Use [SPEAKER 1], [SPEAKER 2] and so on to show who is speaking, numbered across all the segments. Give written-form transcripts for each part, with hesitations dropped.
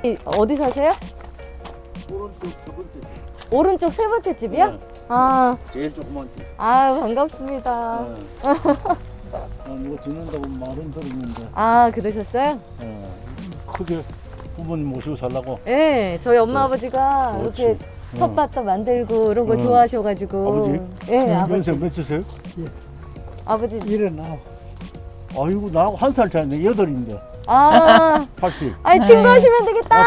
[SPEAKER 1] 어디 사세요?
[SPEAKER 2] 오른쪽 두 번째 집.
[SPEAKER 1] 오른쪽 세 번째 집이요?
[SPEAKER 2] 네.
[SPEAKER 1] 아,
[SPEAKER 2] 제일 조그만 집.
[SPEAKER 1] 아 반갑습니다.
[SPEAKER 2] 네. 누가 짓는다고 말은 들었는데
[SPEAKER 1] 그러셨어요?
[SPEAKER 2] 크게 부모님 모시고 살라고.
[SPEAKER 1] 네, 저희 엄마 아버지가
[SPEAKER 2] 그렇지.
[SPEAKER 1] 이렇게 텃밭도 만들고 이런 거
[SPEAKER 2] 응.
[SPEAKER 1] 좋아하셔가지고.
[SPEAKER 2] 아버지?
[SPEAKER 1] 네, 아버지.
[SPEAKER 2] 연세 몇이세요?
[SPEAKER 1] 아버지.
[SPEAKER 3] 일어나.
[SPEAKER 2] 아이고 나하고 한 살 차이네. 여덟인데.
[SPEAKER 1] 아,
[SPEAKER 2] 80.
[SPEAKER 1] 아니 친구하시면 되겠다.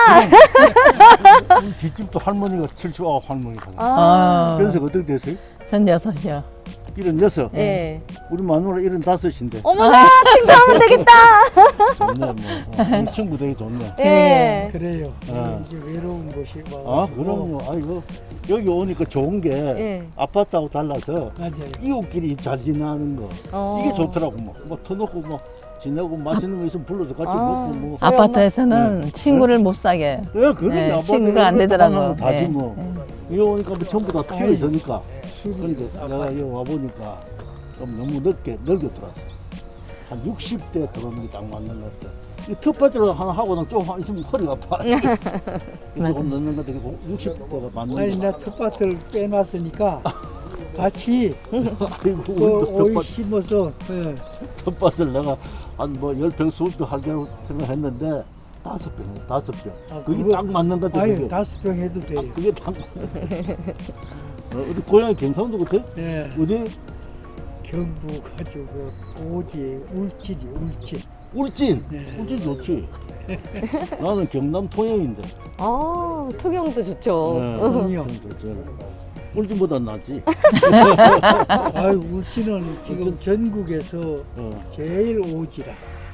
[SPEAKER 2] 뒷집도 할머니가 79 할머니가.
[SPEAKER 1] 아,
[SPEAKER 2] 연세가 어떻게 되세요?
[SPEAKER 4] 전 6이요.
[SPEAKER 2] 76.
[SPEAKER 1] 네.
[SPEAKER 2] 우리 마누라 75인데.
[SPEAKER 1] 어머나 친구하면 되겠다.
[SPEAKER 2] 좋네 뭐. 우리 친구 되게 좋네.
[SPEAKER 1] 네.
[SPEAKER 3] 그래요.
[SPEAKER 2] 네.
[SPEAKER 3] 이제 외로운 곳이
[SPEAKER 2] 아 그럼요. 아이고 여기 오니까 좋은 게
[SPEAKER 1] 네.
[SPEAKER 2] 아파트하고 달라서
[SPEAKER 3] 맞아요.
[SPEAKER 2] 이웃끼리 잘 지내는 거 이게 좋더라고. 뭐 터놓고 뭐 지내고 맛있는 거 있으면 불러서 같이 먹고 뭐.
[SPEAKER 1] 저희
[SPEAKER 4] 아파트에서는 친구를 못 사게.
[SPEAKER 2] 예, 그러네.
[SPEAKER 4] 네,
[SPEAKER 2] 아빠가
[SPEAKER 4] 친구가 안
[SPEAKER 2] 이렇게
[SPEAKER 4] 되더라고.
[SPEAKER 2] 만나면 다지
[SPEAKER 4] 네.
[SPEAKER 2] 뭐. 여기 오니까 뭐 전부 다 튀어 있으니까. 그러니까 내가 여기 와보니까 좀 너무 늦게 들어왔어. 한 60대 들어오는 게 딱 맞는 것 같아. 이 텃밭으로 하나 하고는 좀 있으면 허리가 아파. 조금 늦는 것 같아. 60대가 맞는
[SPEAKER 3] 아니
[SPEAKER 2] 거.
[SPEAKER 3] 나 텃밭을 빼놨으니까 같이
[SPEAKER 2] 아이고,
[SPEAKER 3] 그
[SPEAKER 2] 우리도
[SPEAKER 3] 오이
[SPEAKER 2] 텃밭,
[SPEAKER 3] 심어서
[SPEAKER 2] 텃밭을 내가 한 뭐 10평, 20평 하려고 생각했는데 5평.
[SPEAKER 3] 아,
[SPEAKER 2] 그게
[SPEAKER 3] 그거-
[SPEAKER 2] 딱 맞는 것 같아.
[SPEAKER 3] 아유
[SPEAKER 2] 그게.
[SPEAKER 3] 5평 해도 돼요.
[SPEAKER 2] 그게 딱 맞는 것 같아. 우리 고향이 경상도 같아?
[SPEAKER 3] 네.
[SPEAKER 2] 어디?
[SPEAKER 3] 경부 가지고 오지 울진이 울진.
[SPEAKER 2] 울진.
[SPEAKER 3] 네.
[SPEAKER 2] 울진 좋지. 나는 경남 통영인데.
[SPEAKER 1] 아, 통영도 좋죠.
[SPEAKER 3] 통영.
[SPEAKER 2] 좋죠. 울진보다 낫지.
[SPEAKER 3] 아유 울진은 지금 전국에서
[SPEAKER 2] 어.
[SPEAKER 3] 제일 오지라.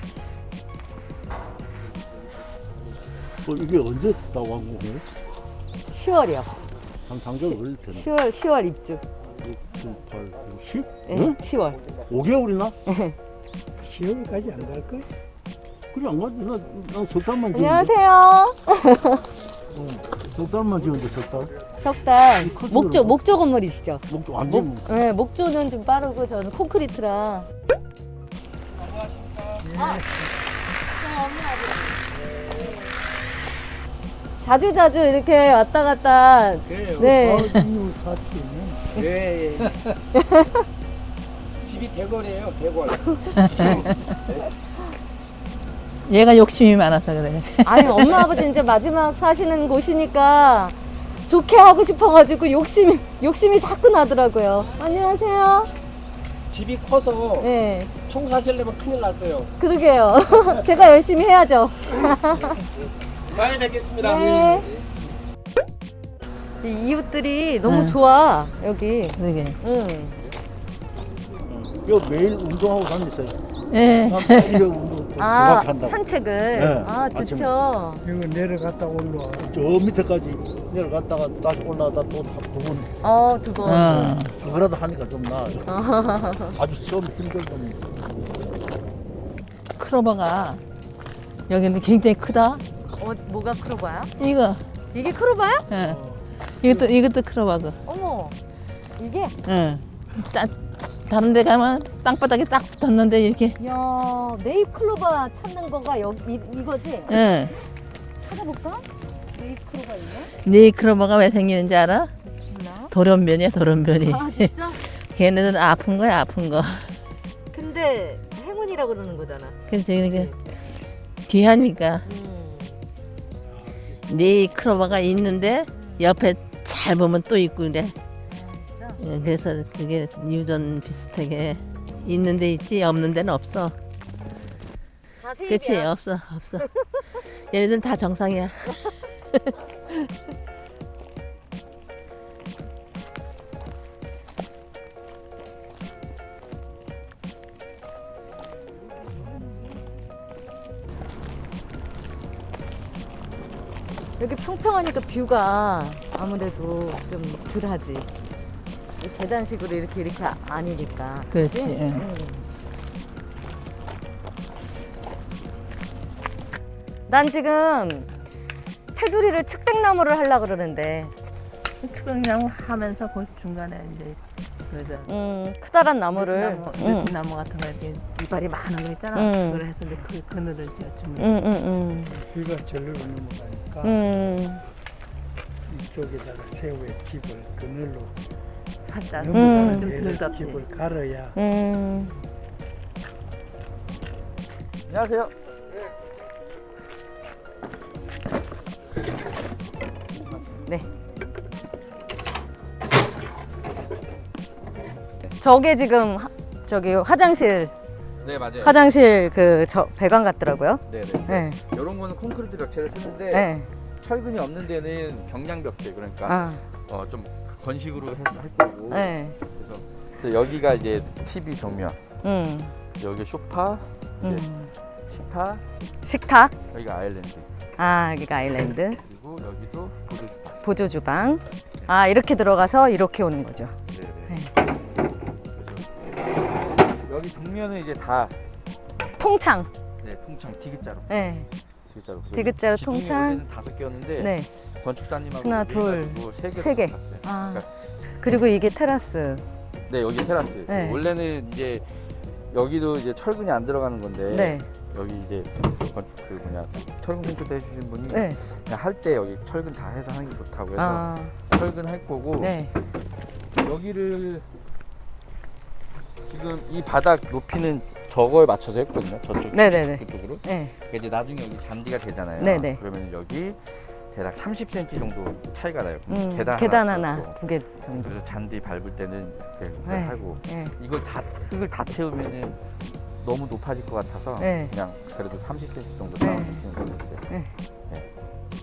[SPEAKER 2] 이게 언제 나왔고?
[SPEAKER 1] 10월이요.
[SPEAKER 2] 한 상대가 걸릴 텐데.
[SPEAKER 1] 10월 입주.
[SPEAKER 2] 6, 7, 8, 9, 10?
[SPEAKER 1] 네,
[SPEAKER 2] 응?
[SPEAKER 1] 10월.
[SPEAKER 2] 5개월이나?
[SPEAKER 3] 10월까지 안 갈 거야?
[SPEAKER 2] 그래 안 가지. 나 석 달만 지었는데.
[SPEAKER 1] 안녕하세요.
[SPEAKER 2] 석 달만 지었는데 석 달.
[SPEAKER 1] 석달.
[SPEAKER 2] 커지더라고.
[SPEAKER 1] 목조 건물이시죠?
[SPEAKER 2] 목도 완전
[SPEAKER 1] 네, 목조는 좀 빠르고 저는 콘크리트라. 자주 이렇게 왔다 갔다.
[SPEAKER 5] 그래요.
[SPEAKER 1] 네.
[SPEAKER 3] 이웃 사촌은
[SPEAKER 5] 예, 예. 집이 대궐이에요, 대궐.
[SPEAKER 4] 얘가 욕심이 많아서 그래.
[SPEAKER 1] 아니 엄마 아버지 이제 마지막 사시는 곳이니까 좋게 하고 싶어가지고 욕심이 자꾸 나더라고요. 안녕하세요.
[SPEAKER 5] 집이 커서
[SPEAKER 1] 네,
[SPEAKER 5] 청소하시려면 큰일 났어요.
[SPEAKER 1] 그러게요. 제가 열심히 해야죠.
[SPEAKER 5] 많이 뵙겠습니다.
[SPEAKER 1] 네. 이 이웃들이 너무 좋아 여기.
[SPEAKER 4] 그러게.
[SPEAKER 1] 응.
[SPEAKER 2] 이거 매일 운동하고 다녔어요.
[SPEAKER 4] 예.
[SPEAKER 2] 이거 운동
[SPEAKER 1] 아
[SPEAKER 2] 한다고.
[SPEAKER 1] 산책을.
[SPEAKER 2] 네,
[SPEAKER 1] 아 좋죠.
[SPEAKER 3] 이거 내려갔다 올라와.
[SPEAKER 2] 저 밑에까지 내려갔다가 다시 올라가다 또 두 번.
[SPEAKER 1] 두 번.
[SPEAKER 2] 그거라도 하니까 좀 나아요. 아주 처음 힘들던.
[SPEAKER 4] 크로버가 여기는 굉장히 크다.
[SPEAKER 1] 뭐가 크로바야?
[SPEAKER 4] 이거.
[SPEAKER 1] 이게 크로바야?
[SPEAKER 4] 예. 이것도 크로버고.
[SPEAKER 1] 어머. 이게?
[SPEAKER 4] 예. 다른 데 가면 땅바닥에 딱 붙었는데 이렇게.
[SPEAKER 1] 야 네잎 클로바 찾는 거가 여기 이거지?
[SPEAKER 4] 예.
[SPEAKER 1] 찾아볼까? 네잎 클로바 있나?
[SPEAKER 4] 네 크로버가 왜 생기는지 알아?
[SPEAKER 1] 몰라.
[SPEAKER 4] 돌연변이야, 돌연변이.
[SPEAKER 1] 아 진짜?
[SPEAKER 4] 걔네들은 아픈 거야, 아픈 거.
[SPEAKER 1] 근데 행운이라고 그러는 거잖아.
[SPEAKER 4] 그래서 이게 귀하니까. 네 크로버가 있는데 옆에 잘 보면 또 있고 그래. 예, 그래서 그게 유전 비슷하게 있는 데 있지 없는 데는 없어.
[SPEAKER 1] 다 세입이야.
[SPEAKER 4] 그렇지 없어. 얘네들은 다 정상이야.
[SPEAKER 1] 여기 평평하니까 뷰가 아무래도 좀 덜하지. 계단식으로 이렇게 아니니까.
[SPEAKER 4] 그렇지.
[SPEAKER 1] 그치?
[SPEAKER 4] 응.
[SPEAKER 1] 난 지금 테두리를 측백나무를 하려고 그러는데
[SPEAKER 4] 투병나무 하면서 그 중간에 이제 그래서
[SPEAKER 1] 크다란 나무를.
[SPEAKER 4] 느티나무 같은 거 이렇게 이빨이 많은 거 있잖아. 그걸 해서 이제 그 그늘을 제가 주문.
[SPEAKER 3] 비가 절로 넘어가니까
[SPEAKER 1] 음.
[SPEAKER 3] 이쪽에다가 새우의 집을 그늘로
[SPEAKER 4] 살짝
[SPEAKER 3] 넘어가는
[SPEAKER 4] 좀
[SPEAKER 3] 데를
[SPEAKER 4] 덜 덥지.
[SPEAKER 3] 집을 갈아야
[SPEAKER 5] 안녕하세요.
[SPEAKER 1] 네. 저게 지금 저기 화장실
[SPEAKER 6] 네 맞아요.
[SPEAKER 1] 화장실 그 저 배관 같더라고요.
[SPEAKER 6] 네네.
[SPEAKER 1] 네.
[SPEAKER 6] 이런 거는 콘크리트 벽체를 쓰는데
[SPEAKER 1] 네.
[SPEAKER 6] 철근이 없는 데는 경량 벽체 그러니까
[SPEAKER 1] 아.
[SPEAKER 6] 좀 건식으로 할 거고.
[SPEAKER 1] 네.
[SPEAKER 6] 그래서 여기가 이제 TV 정면,
[SPEAKER 1] 음.
[SPEAKER 6] 여기 소파, 이제
[SPEAKER 1] 음.
[SPEAKER 6] 식탁,
[SPEAKER 1] 식탁.
[SPEAKER 6] 여기가 아일랜드,
[SPEAKER 1] 아, 여기가 아일랜드.
[SPEAKER 6] 그리고 여기도 보조.
[SPEAKER 1] 보조 주방. 아, 이렇게 들어가서 이렇게 오는 거죠.
[SPEAKER 6] 네네. 여기 정면은 이제 다
[SPEAKER 1] 통창.
[SPEAKER 6] 네, 통창 디귿자로.
[SPEAKER 1] 네.
[SPEAKER 6] 디귿자로.
[SPEAKER 1] 디귿자로
[SPEAKER 6] 지붕이
[SPEAKER 1] 통창.
[SPEAKER 6] 원래는 5개였는데
[SPEAKER 1] 네.
[SPEAKER 6] 건축사님하고
[SPEAKER 1] 하나, 둘, 세 개. 아.
[SPEAKER 6] 그러니까
[SPEAKER 1] 그리고 이게 테라스.
[SPEAKER 6] 네, 여기 테라스.
[SPEAKER 1] 네.
[SPEAKER 6] 원래는 이제 여기도 이제 철근이 안 들어가는 건데
[SPEAKER 1] 네.
[SPEAKER 6] 여기 이제 그 뭐냐 철근 콘크리트 해주신 분이
[SPEAKER 1] 네.
[SPEAKER 6] 그냥 할 때 여기 철근 다 해서 하는 게 좋다고 해서
[SPEAKER 1] 아.
[SPEAKER 6] 철근 할 거고
[SPEAKER 1] 네.
[SPEAKER 6] 여기를 지금 이 바닥 높이는 저거에 맞춰서 했거든요. 저쪽
[SPEAKER 1] 네네네.
[SPEAKER 6] 그쪽으로.
[SPEAKER 1] 네.
[SPEAKER 6] 그러니까 이제 나중에 여기 잔디가 되잖아요.
[SPEAKER 1] 네네.
[SPEAKER 6] 그러면 여기 대략 30cm 정도 차이가 나요.
[SPEAKER 1] 계단
[SPEAKER 6] 하나
[SPEAKER 1] 하나,
[SPEAKER 6] 더
[SPEAKER 1] 2개 정도.
[SPEAKER 6] 그래서 잔디 밟을 때는 이렇게
[SPEAKER 1] 네.
[SPEAKER 6] 하고
[SPEAKER 1] 네.
[SPEAKER 6] 이걸 다 흙을 다 채우면은 너무 높아질 것 같아서
[SPEAKER 1] 네.
[SPEAKER 6] 그냥 그래도 30cm 정도
[SPEAKER 1] 네.
[SPEAKER 6] 쌓아주시는 걸로 했어요.
[SPEAKER 1] 네.
[SPEAKER 6] 네.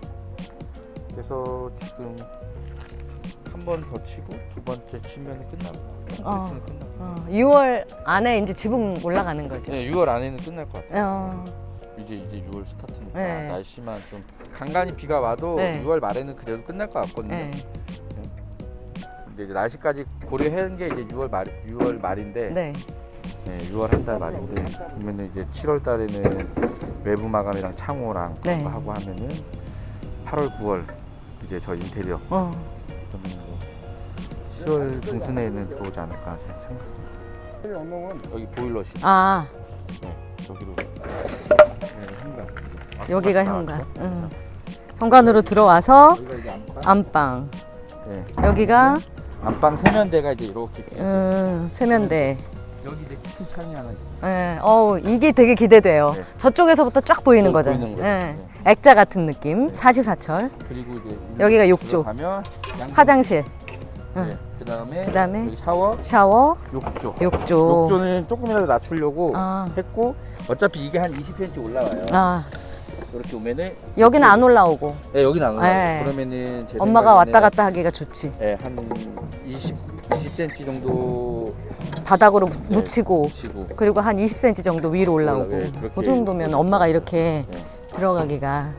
[SPEAKER 6] 그래서 지금 한 번 더 치고 두 번째 치면 끝나고 콘크리트는 끝나고
[SPEAKER 1] 6월 안에 이제 지붕 올라가는 거죠.
[SPEAKER 6] 네, 6월 안에는 끝날 것 같아요.
[SPEAKER 1] 어.
[SPEAKER 6] 이제 6월 스타트니까
[SPEAKER 1] 네.
[SPEAKER 6] 날씨만 좀 간간히 비가 와도
[SPEAKER 1] 네.
[SPEAKER 6] 6월 말에는 그래도 끝날 것 같거든요.
[SPEAKER 1] 네.
[SPEAKER 6] 근데 이제 날씨까지 고려한 게 이제 6월 말인데
[SPEAKER 1] 네.
[SPEAKER 6] 네, 6월 한 달 말인데 그러면은 이제 7월 달에는 외부 마감이랑 창호랑
[SPEAKER 1] 네.
[SPEAKER 6] 그거 하고 하면은 8월 9월 이제 저 인테리어
[SPEAKER 1] 어.
[SPEAKER 6] 그러면 뭐 10월 중순에는 들어오지 않을까 생각합니다. 여기 보일러실
[SPEAKER 1] 아,
[SPEAKER 6] 네, 여기로 현관
[SPEAKER 1] 여기가 현관. 현관으로 들어와서
[SPEAKER 6] 여기가 이제 안방
[SPEAKER 1] 안방.
[SPEAKER 6] 네.
[SPEAKER 1] 여기가
[SPEAKER 6] 안방 세면대가 이제 이렇게
[SPEAKER 1] 세면대.
[SPEAKER 6] 여기 이제 큰 창이 하나 있어요.
[SPEAKER 1] 네. 이게 되게 기대돼요.
[SPEAKER 6] 네.
[SPEAKER 1] 저쪽에서부터 쫙 보이는 거죠.
[SPEAKER 6] 보이는 거죠.
[SPEAKER 1] 네.
[SPEAKER 6] 네.
[SPEAKER 1] 액자 같은 느낌. 사시사철.
[SPEAKER 6] 그리고 이제
[SPEAKER 1] 여기가 욕조.
[SPEAKER 6] 가면
[SPEAKER 1] 화장실.
[SPEAKER 6] 네. 그다음에
[SPEAKER 1] 그다음에
[SPEAKER 6] 여기 샤워,
[SPEAKER 1] 샤워,
[SPEAKER 6] 욕조.
[SPEAKER 1] 욕조.
[SPEAKER 6] 욕조는 조금이라도 낮추려고
[SPEAKER 1] 아.
[SPEAKER 6] 했고 어차피 이게 한 20cm 올라와요.
[SPEAKER 1] 아,
[SPEAKER 6] 이렇게 오면은
[SPEAKER 1] 여기는 안 올라오고.
[SPEAKER 6] 네, 여기는 안 올라와요.
[SPEAKER 1] 네.
[SPEAKER 6] 그러면은 제
[SPEAKER 1] 엄마가
[SPEAKER 6] 생각에는
[SPEAKER 1] 왔다 갔다 하기가 좋지.
[SPEAKER 6] 네, 한 20cm 정도
[SPEAKER 1] 바닥으로
[SPEAKER 6] 네,
[SPEAKER 1] 묻히고.
[SPEAKER 6] 치고
[SPEAKER 1] 그리고 한 20cm 정도 위로 올라오고.
[SPEAKER 6] 네, 그렇게
[SPEAKER 1] 그 정도면 엄마가 이렇게
[SPEAKER 6] 네.
[SPEAKER 1] 들어가기가.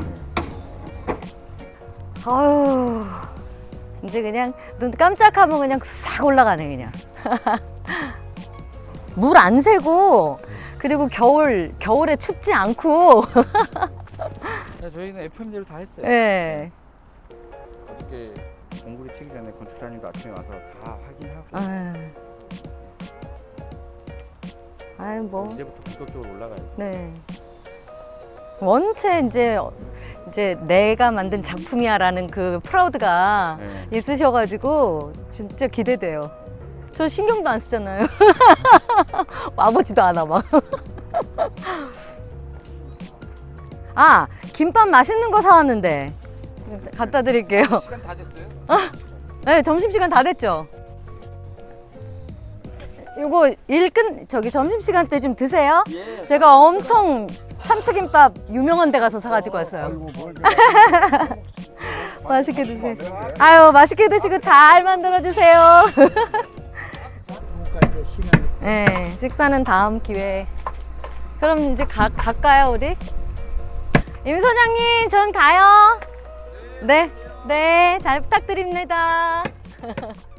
[SPEAKER 1] 아유, 이제 그냥 눈 깜짝하면 그냥 싹 올라가네 그냥. 물 안 새고 그리고 겨울에 춥지 않고.
[SPEAKER 6] 네, 저희는 FM대로 다 했어요.
[SPEAKER 1] 예.
[SPEAKER 6] 어떻게 공구리 치기 전에 건축사님도 아침에 와서 다 확인하고
[SPEAKER 1] 아이 뭐.
[SPEAKER 6] 이제부터 본격적으로 올라가요.
[SPEAKER 1] 네. 원체 이제 내가 만든 작품이야라는 그 프라우드가
[SPEAKER 6] 네.
[SPEAKER 1] 있으셔가지고 진짜 기대돼요. 저 신경도 안 쓰잖아요. 와보지도 않아 막. 아, 김밥 맛있는 거 사왔는데 갖다 드릴게요.
[SPEAKER 6] 시간 다 됐어요?
[SPEAKER 1] 네, 점심시간 다 됐죠? 이거 점심시간 때 좀 드세요. 제가 엄청 참치김밥 유명한 데 가서 사가지고 왔어요. 맛있게 드세요. 아유, 맛있게 드시고 잘 만들어주세요.
[SPEAKER 3] 지금까지 시간을
[SPEAKER 1] 네, 식사는 다음 기회에. 그럼 이제 갈까요, 우리? 임 소장님, 전 가요. 네, 네, 잘 부탁드립니다.